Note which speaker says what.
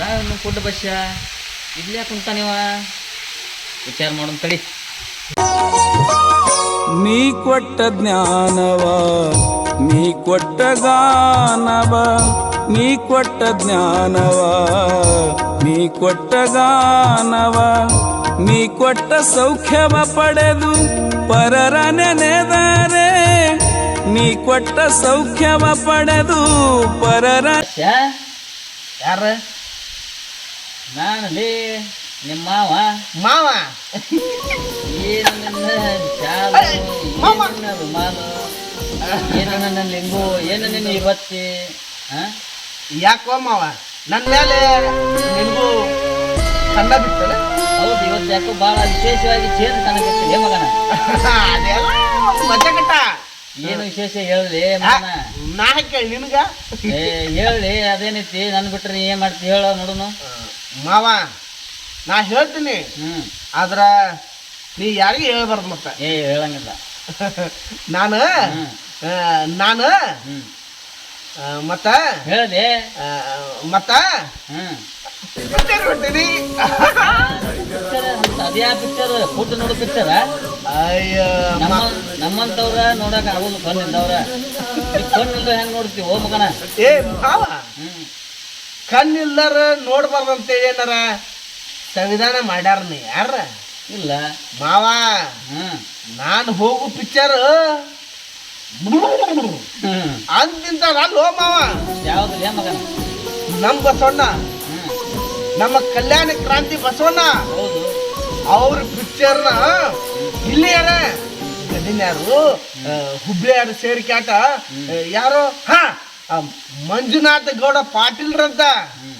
Speaker 1: ನಾವೇನು ಫುಡ್ ಬಸ್ಯ ಇಲ್ಲೇ ಕುಂತ ನೀವ ವಿಚಾರ ಮಾಡೋಣ ತಡಿ.
Speaker 2: ನೀ ಕೊಟ್ಟ ಜ್ಞಾನವ ನೀ ಕೊಟ್ಟ ಗಾನವ ನೀ ಕೊಟ್ಟ ಜ್ಞಾನವ ನೀ ಕೊಟ್ಟ ಗಾನವ ನೀ ಕೊಟ್ಟ ಸೌಖ್ಯವ ಪಡೆದು ಪರರ ನೆನೆದರೆ ನೀ ಕೊಟ್ಟ ಸೌಖ್ಯವ ಪಡೆದು ಪರರ.
Speaker 1: ಯಾರ? ನಾನು ಲೇ ನಿಮ್ಮ ಮಾವ. ಏನು ನನ್ನ ಚಾಲು, ಏನು ನನ್ನ ರುಮಾಲು, ಏನು ನನ್ನ ಲಿಂಗು, ಏನು ನಿನ್ನ ಇವತ್ತಿ?
Speaker 3: ಯಾಕೋ ಮಾವ ನನ್ನ ಮೇಲೆ ನಿನಗೂ ಕಣ್ಣ ಬಿತ್ತಲ್ಲ?
Speaker 1: ಹೌದು, ಇವತ್ತು ಯಾಕೋ ಭಾಳ ವಿಶೇಷವಾಗಿ ಚೇಂಜ್ ಕಾಣಕತ್ತಿದೆ ಮಗನ.
Speaker 3: ಅದೆಲ್ಲ ಮಜಾ ಕಟ್ಟ.
Speaker 1: ಏನು ವಿಶೇಷ ಹೇಳಲಿ ಮಗನ?
Speaker 3: ನಾ ಕೇಳಿ ನಿನಗ
Speaker 1: ಹೇಳಿ ಅದೇನೈತಿ. ನನ್ ಬಿಟ್ರೆ ನೀ ಏನ್ ಮಾಡ್ತಿ ಹೇಳ ನೋಡುನು.
Speaker 3: ಮಾವ ನಾ ಹೇಳ್ತೀನಿ, ಆದ್ರ ನೀ ಯಾರಿಗೆ ಹೇಳ್ಬಾರ್ದು. ಮತ್ತೆ
Speaker 1: ಹೇಳಂಗಿಲ್ಲ.
Speaker 3: ನಾನು ಮತ್ತ
Speaker 1: ಹೇಳದೆ
Speaker 3: ಮತ್ತ ಬಿಟ್ಟಿನಿ.
Speaker 1: ಅದ್ಯಾ ಪಿಕ್ಚರ್? ಫುಡ್ ನೋಡು ಪಿಕ್ಚರ?
Speaker 3: ಅಯ್ಯ
Speaker 1: ನಮ್ಮಂತವ್ರ ನೋಡಕ್ ಆಗೋದು ಕಣ್ಣಿಂದವ್ರ. ಕಣ್ಣಿಂದ ಹೆಂಗ್ ನೋಡ್ತೀವಿ ಓ ಮಗನ?
Speaker 3: ಏ ಮಾವ, ಕಣ್ಣಿಲ್ಲರ ನೋಡ್ಬಾರ್ದಂತೇಳಿ ಏನಾರ ಸಂವಿಧಾನ ಮಾಡ್ಯಾರ ಯಾರ?
Speaker 1: ಇಲ್ಲ
Speaker 3: ಮಾವ. ನಾನು ಹೋಗು ಪಿಕ್ಚರ್ ಅಂತಿಂತ ಅಲ್ಲೋ ಮಾವ.
Speaker 1: ಯಾವ್ದು ಮಗನ?
Speaker 3: ನಮ್ಮ ಬಸವಣ್ಣ, ನಮ್ಮ ಕಲ್ಯಾಣ ಕ್ರಾಂತಿ ಬಸವಣ್ಣ
Speaker 1: ಹೌದು.
Speaker 3: ಅವ್ರ ಪಿಕ್ಚರ್ನ ಇಲ್ಲಿ ಯಾರ ಯಾರು ಹುಬ್ಳಿ ಯಾರು ಸೇರಿಕಾಟ ಯಾರು ಮಂಜುನಾಥ ಗೌಡ ಪಾಟೀಲ್ರಂತ